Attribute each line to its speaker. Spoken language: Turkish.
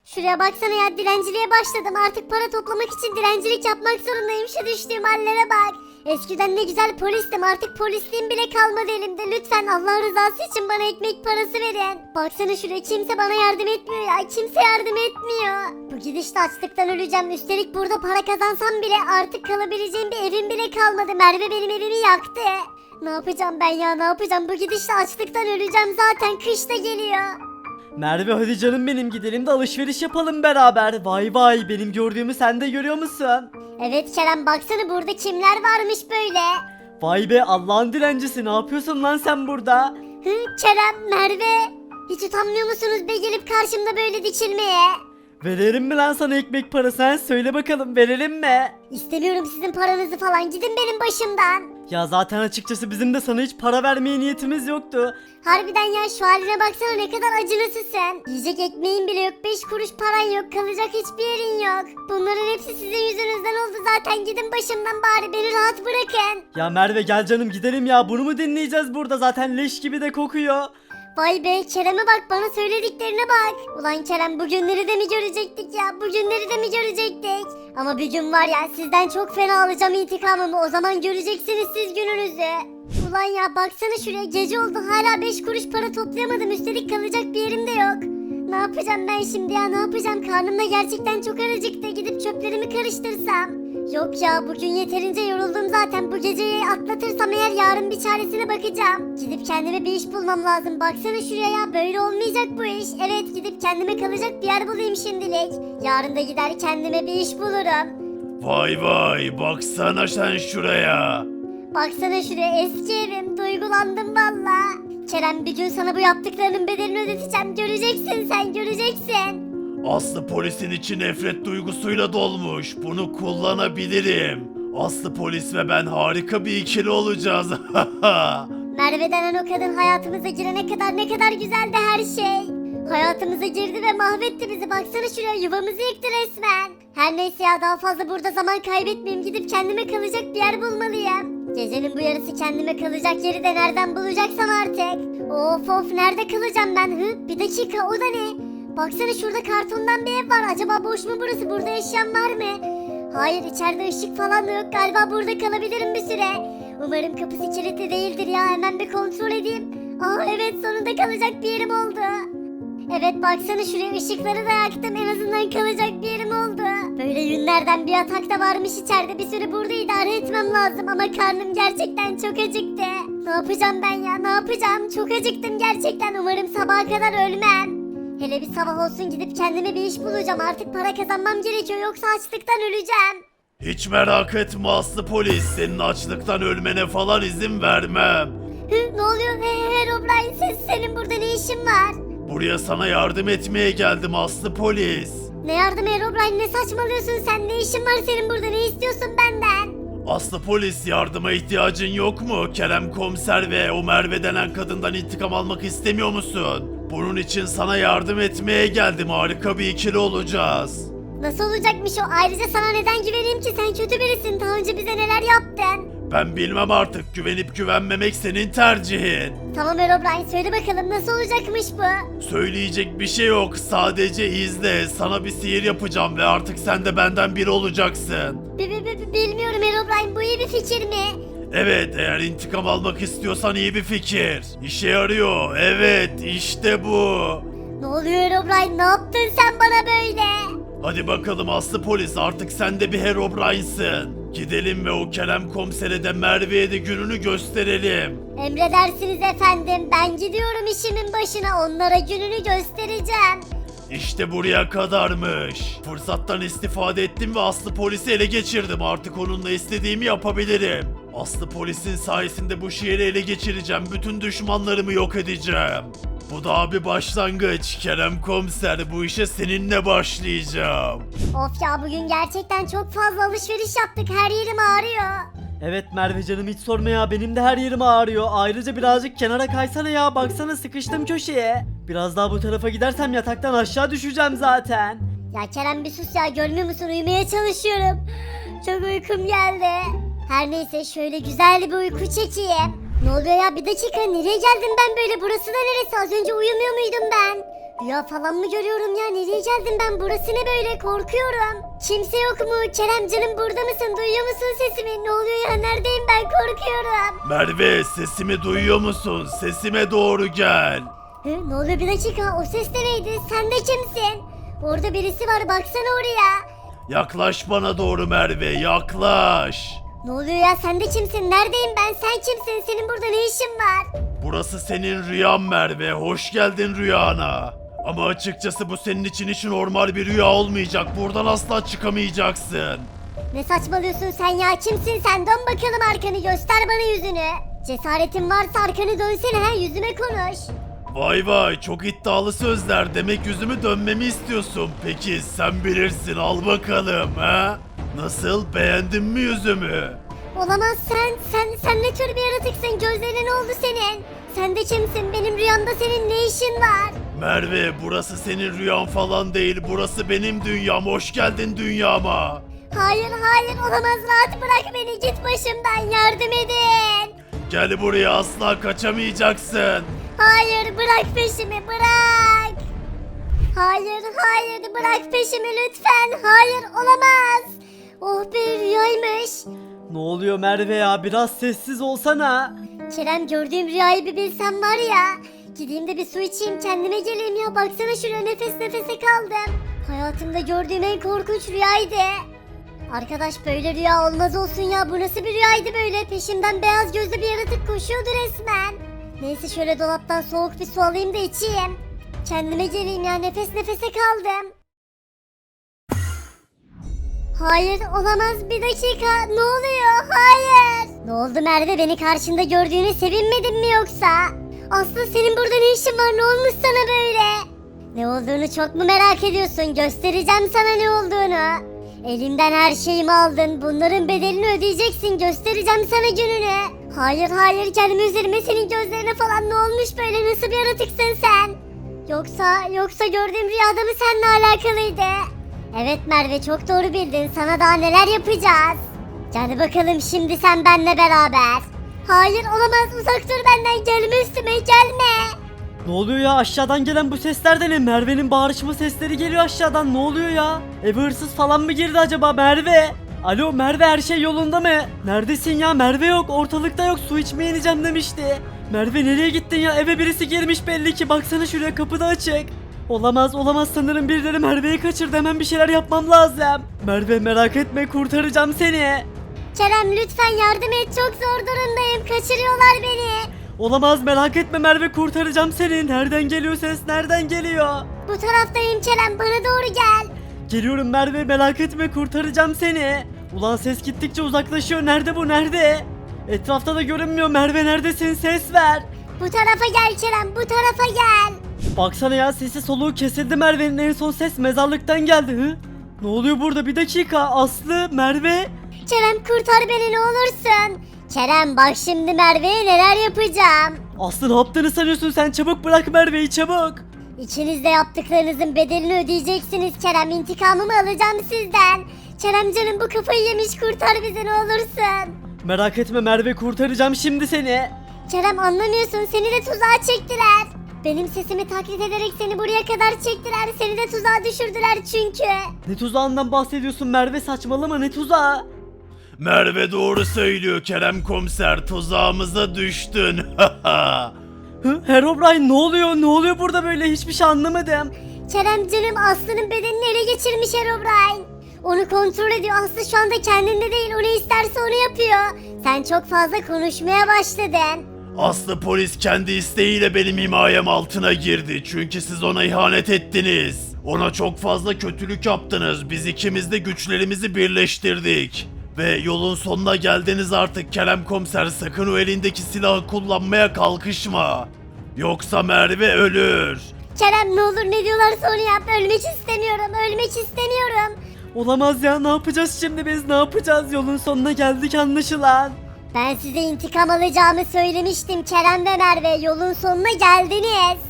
Speaker 1: Şuraya baksana ya, dilenciliğe başladım. Artık para toplamak için dilencilik yapmak zorundayım. Şu düştüğüm hallere bak. Eskiden ne güzel polistim, artık polisliğim bile kalmadı elimde. Lütfen Allah rızası için bana ekmek parası verin. Baksana şuraya, kimse bana yardım etmiyor ya. Kimse yardım etmiyor. Bu gidişle açlıktan öleceğim. Üstelik burada para kazansam bile artık kalabileceğim bir evim bile kalmadı. Merve benim evimi yaktı. Ne yapacağım ben ya, ne yapacağım? Bu gidişle açlıktan öleceğim, zaten kış da geliyor.
Speaker 2: Merve hadi canım benim, gidelim de alışveriş yapalım beraber. Vay vay, benim gördüğümü sen de görüyor musun?
Speaker 1: Evet Kerem, baksana burada kimler varmış böyle.
Speaker 2: Vay be, Allah'ın dilencisi, ne yapıyorsun lan sen burada?
Speaker 1: Hı, Kerem, Merve. Hiç utanmıyor musunuz be gelip karşımda böyle dikilmeye?
Speaker 2: Verelim mi lan sana ekmek parası, ha? Söyle bakalım, verelim mi?
Speaker 1: İstemiyorum sizin paranızı falan, gidin benim başımdan.
Speaker 2: Ya zaten açıkçası bizim de sana hiç para vermeye niyetimiz yoktu.
Speaker 1: Harbiden ya, şu haline baksana, ne kadar acınasısın. Yiyecek ekmeğin bile yok, 5 kuruş paran yok, kalacak hiçbir yerin yok. Bunların hepsi sizin yüzünüzden oldu zaten, gidin başımdan, bari beni rahat bırakın.
Speaker 2: Ya Merve gel canım gidelim ya, bunu mu dinleyeceğiz burada, zaten leş gibi de kokuyor.
Speaker 1: Vay be, Kerem'e bak, bana söylediklerine bak. Ulan Kerem, bugünleri de mi görecektik ya, bugünleri de mi görecektik? Ama bir gün var ya, sizden çok fena alacağım intikamımı, o zaman göreceksiniz siz gününüzü. Ulan ya baksana şuraya, gece oldu hala 5 kuruş para toplayamadım, üstelik kalacak bir yerim de yok. Ne yapacağım ben şimdi ya, ne yapacağım? Karnım da gerçekten çok acıktı, gidip çöplerimi karıştırsam. Yok ya, bugün yeterince yoruldum zaten, bu geceyi atlatırsam eğer yarın bir çaresine bakacağım. Gidip kendime bir iş bulmam lazım, baksana şuraya ya, böyle olmayacak bu iş. Evet, gidip kendime kalacak bir yer bulayım şimdilik. Yarın da gider kendime bir iş bulurum.
Speaker 3: Vay vay, baksana sen şuraya.
Speaker 1: Baksana şuraya, eski evim, duygulandım valla. Kerem, bir gün sana bu yaptıklarının bedelini ödeteceğim, göreceksin sen, göreceksin.
Speaker 3: Aslı polisin içi nefret duygusuyla dolmuş. Bunu kullanabilirim. Aslı polis ve ben harika bir ikili olacağız.
Speaker 1: Merve denen o kadın hayatımıza girene kadar ne kadar güzeldi her şey. Hayatımıza girdi ve mahvetti bizi. Baksana şuraya, yuvamızı yıktı resmen. Her neyse ya, daha fazla burada zaman kaybetmeyeyim. Gidip kendime kalacak bir yer bulmalıyım. Gecenin bu yarısı kendime kalacak yeri de nereden bulacaksam artık. Of of, nerede kalacağım ben? Bir dakika, o da ne? Baksana şurada kartondan bir ev var. Acaba boş mu burası? Burada yaşayan var mı? Hayır, içeride ışık falan da yok. Galiba burada kalabilirim bir süre. Umarım kapısı kilitli değildir ya. Hemen bir kontrol edeyim. Aa evet, sonunda kalacak bir yerim oldu. Evet, baksana şuraya, ışıkları da yaktım. En azından kalacak bir yerim oldu. Böyle günlerden bir yatak da varmış içeride. Bir süre burada idare etmem lazım ama karnım gerçekten çok acıktı. Ne yapacağım ben ya, ne yapacağım? Çok acıktım gerçekten. Umarım sabaha kadar ölmem. Hele bir sabah olsun, gidip kendime bir iş bulacağım. Artık para kazanmam gerekiyor, yoksa açlıktan öleceğim.
Speaker 3: Hiç merak etme Aslı polis. Senin açlıktan ölmene falan izin vermem.
Speaker 1: Ne oluyor? Herobrine, senin burada ne işin var?
Speaker 3: Buraya sana yardım etmeye geldim Aslı polis.
Speaker 1: Ne yardım Herobrine, ne saçmalıyorsun sen? Ne işin var senin burada? Ne istiyorsun benden?
Speaker 3: Aslı polis, yardıma ihtiyacın yok mu? Kerem komiser ve o Merve denen kadından intikam almak istemiyor musun? Bunun için sana yardım etmeye geldim. Harika bir ikili olacağız.
Speaker 1: Nasıl olacakmış o? Ayrıca sana neden güveneyim ki? Sen kötü birisin. Daha önce bize neler yaptın?
Speaker 3: Ben bilmem artık. Güvenip güvenmemek senin tercihin.
Speaker 1: Tamam Herobrine, söyle bakalım, nasıl olacakmış bu?
Speaker 3: Söyleyecek bir şey yok. Sadece izle. Sana bir sihir yapacağım ve artık sen de benden biri olacaksın.
Speaker 1: Bilmiyorum Herobrine, bu iyi bir fikir mi?
Speaker 3: Evet, eğer intikam almak istiyorsan iyi bir fikir. İşe yarıyor. Evet, işte bu.
Speaker 1: Ne oluyor Herobrine, ne yaptın sen bana böyle?
Speaker 3: Hadi bakalım Aslı polis, artık sen de bir Herobrine'sın. Gidelim ve o Kerem komisere de Merve'ye de gününü gösterelim.
Speaker 1: Emredersiniz efendim, ben gidiyorum işimin başına, onlara gününü göstereceğim.
Speaker 3: İşte buraya kadarmış. Fırsattan istifade ettim ve Aslı polisi ele geçirdim. Artık onunla istediğimi yapabilirim. Aslı polisin sayesinde bu şehri ele geçireceğim. Bütün düşmanlarımı yok edeceğim. Bu daha bir başlangıç. Kerem komiser, bu işe seninle başlayacağım.
Speaker 1: Of ya, bugün gerçekten çok fazla alışveriş yaptık, her yerim ağrıyor.
Speaker 2: Evet Merve canım, hiç sorma ya, benim de her yerim ağrıyor. Ayrıca birazcık kenara kaysana ya, baksana sıkıştım köşeye. Biraz daha bu tarafa gidersem yataktan aşağı düşeceğim zaten.
Speaker 1: Ya Kerem, bir sus ya, görmüyor musun, uyumaya çalışıyorum. Çok uykum geldi. Her neyse, şöyle güzel bir uyku çekeyim. Ne oluyor ya, bir dakika, nereye geldim ben böyle, burası da neresi, az önce uyumuyor muydum ben? Rüya falan mı görüyorum ya? Nereye geldim ben? Burası ne böyle? Korkuyorum. Kimse yok mu? Kerem canım burada mısın? Duyuyor musun sesimi? Ne oluyor ya? Neredeyim ben? Korkuyorum.
Speaker 3: Merve sesimi duyuyor musun? Sesime doğru gel.
Speaker 1: Ne oluyor, bir dakika, o ses de neydi? Sen de kimsin? Orada birisi var, baksana oraya.
Speaker 3: Yaklaş bana doğru Merve, yaklaş.
Speaker 1: Ne oluyor ya, sen de kimsin? Neredeyim ben? Sen kimsin? Senin burada ne işin var?
Speaker 3: Burası senin rüyan Merve, hoş geldin rüyana. Ama açıkçası bu senin için hiç normal bir rüya olmayacak, buradan asla çıkamayacaksın.
Speaker 1: Ne saçmalıyorsun sen ya? Kimsin sen? Dön bakalım arkanı, göster bana yüzünü. Cesaretin varsa arkanı dönsene, ha, yüzüme konuş.
Speaker 3: Vay vay, çok iddialı sözler, demek yüzümü dönmemi istiyorsun. Peki sen bilirsin, al bakalım ha. Nasıl, beğendin mi yüzümü?
Speaker 1: Olamaz, sen ne tür bir yaratıksın? Gözlerine ne oldu senin? Sen de kimsin? Benim rüyamda senin ne işin var?
Speaker 3: Merve, burası senin rüyan falan değil, burası benim dünyam, hoş geldin dünyama.
Speaker 1: Hayır, olamaz, rahat bırak beni, git başımdan, yardım edin.
Speaker 3: Gel buraya, asla kaçamayacaksın.
Speaker 1: Hayır, bırak peşimi, bırak. Hayır, bırak peşimi lütfen. Hayır, olamaz. Oh be, rüyaymış.
Speaker 2: Ne oluyor Merve ya, biraz sessiz olsana.
Speaker 1: Kerem, gördüğüm rüyayı bir bilsem var ya. Gideyim de bir su içeyim, kendime geleyim ya. Baksana şuraya, nefes nefese kaldım. Hayatımda gördüğüm en korkunç rüyaydı. Arkadaş, böyle rüya olmaz olsun ya. Bu nasıl bir rüyaydı böyle? Peşimden beyaz gözlü bir yaratık koşuyordu resmen. Neyse, şöyle dolaptan soğuk bir su alayım da içeyim. Kendime geleyim ya, nefes nefese kaldım. Hayır, olamaz, bir dakika, ne oluyor? Hayır. Ne oldu Merve, beni karşında gördüğüne sevinmedin mi yoksa? Aslı, senin burada ne işin var, ne olmuş sana böyle? Ne olduğunu çok mu merak ediyorsun? Göstereceğim sana ne olduğunu. Elimden her şeyimi aldın, bunların bedelini ödeyeceksin, göstereceğim sana gününü. Hayır, kendimi üzerime, senin gözlerine falan ne olmuş böyle, nasıl bir yaratıksın sen? Yoksa gördüğüm rüyada mı seninle alakalıydı? Evet Merve, çok doğru bildin, sana daha neler yapacağız. Gel bakalım şimdi sen benimle beraber. Hayır, olamaz, uzak dur benden, gelme üstüme, gelme.
Speaker 2: Ne oluyor ya, aşağıdan gelen bu sesler de ne? Merve'nin bağırışma sesleri geliyor aşağıdan, ne oluyor ya? Eve hırsız falan mı girdi acaba Merve? Alo Merve, her şey yolunda mı? Neredesin ya? Merve yok, ortalıkta yok, su içmeye ineceğim demişti. Merve nereye gittin ya? Eve birisi girmiş belli ki, baksana şuraya, kapı da açık. Olamaz, sanırım birileri Merve'yi kaçırdı, hemen bir şeyler yapmam lazım. Merve merak etme, kurtaracağım seni.
Speaker 1: Kerem, lütfen yardım et, çok zor durumdayım, kaçırıyorlar beni.
Speaker 2: Olamaz, merak etme Merve, kurtaracağım seni. Nereden geliyor ses, nereden geliyor?
Speaker 1: Bu taraftayım Kerem, bana doğru gel.
Speaker 2: Geliyorum Merve, merak etme, kurtaracağım seni. Ulan ses gittikçe uzaklaşıyor, nerede bu, nerede? Etrafta da görünmüyor. Merve neredesin, ses ver.
Speaker 1: Bu tarafa gel Kerem, bu tarafa gel.
Speaker 2: Baksana ya, sesi soluğu kesildi Merve'nin, en son ses mezarlıktan geldi. Hı? Ne oluyor burada, bir dakika, Aslı, Merve.
Speaker 1: Kerem, kurtar beni ne olursun. Kerem, bak şimdi Merve'ye neler yapacağım.
Speaker 2: Aslı, ne yaptığını sanıyorsun sen, çabuk bırak Merve'yi, çabuk.
Speaker 1: İkiniz de yaptıklarınızın bedelini ödeyeceksiniz Kerem, intikamımı alacağım sizden. Kerem canım, bu kafayı yemiş, kurtar bizi ne olursun.
Speaker 2: Merak etme Merve, kurtaracağım şimdi seni.
Speaker 1: Kerem, anlamıyorsun, seni de tuzağa çektiler. Benim sesimi taklit ederek seni buraya kadar çektiler, seni de tuzağa düşürdüler çünkü.
Speaker 2: Ne tuzağından bahsediyorsun Merve, saçmalama, ne tuzağı?
Speaker 3: Merve doğru söylüyor Kerem komiser, tuzağımıza düştün.
Speaker 2: Hı? Herobrine, ne oluyor, ne oluyor burada böyle, hiçbir şey anlamadım.
Speaker 1: Kerem canım, Aslı'nın bedenini ele geçirmiş Herobrine. Onu kontrol ediyor, Aslı şu anda kendinde değil, o ne isterse onu yapıyor. Sen çok fazla konuşmaya başladın.
Speaker 3: Aslı polis kendi isteğiyle benim himayem altına girdi. Çünkü siz ona ihanet ettiniz. Ona çok fazla kötülük yaptınız. Biz ikimiz de güçlerimizi birleştirdik. Ve yolun sonuna geldiniz artık Kerem komiser. Sakın o elindeki silahı kullanmaya kalkışma. Yoksa Merve ölür.
Speaker 1: Kerem, ne olur ne diyorlarsa onu yap, ölmek istemiyorum.
Speaker 2: Olamaz ya, ne yapacağız şimdi biz, ne yapacağız, yolun sonuna geldik anlaşılan.
Speaker 1: Ben size intikam alacağımı söylemiştim Kerem ve Merve, yolun sonuna geldiniz.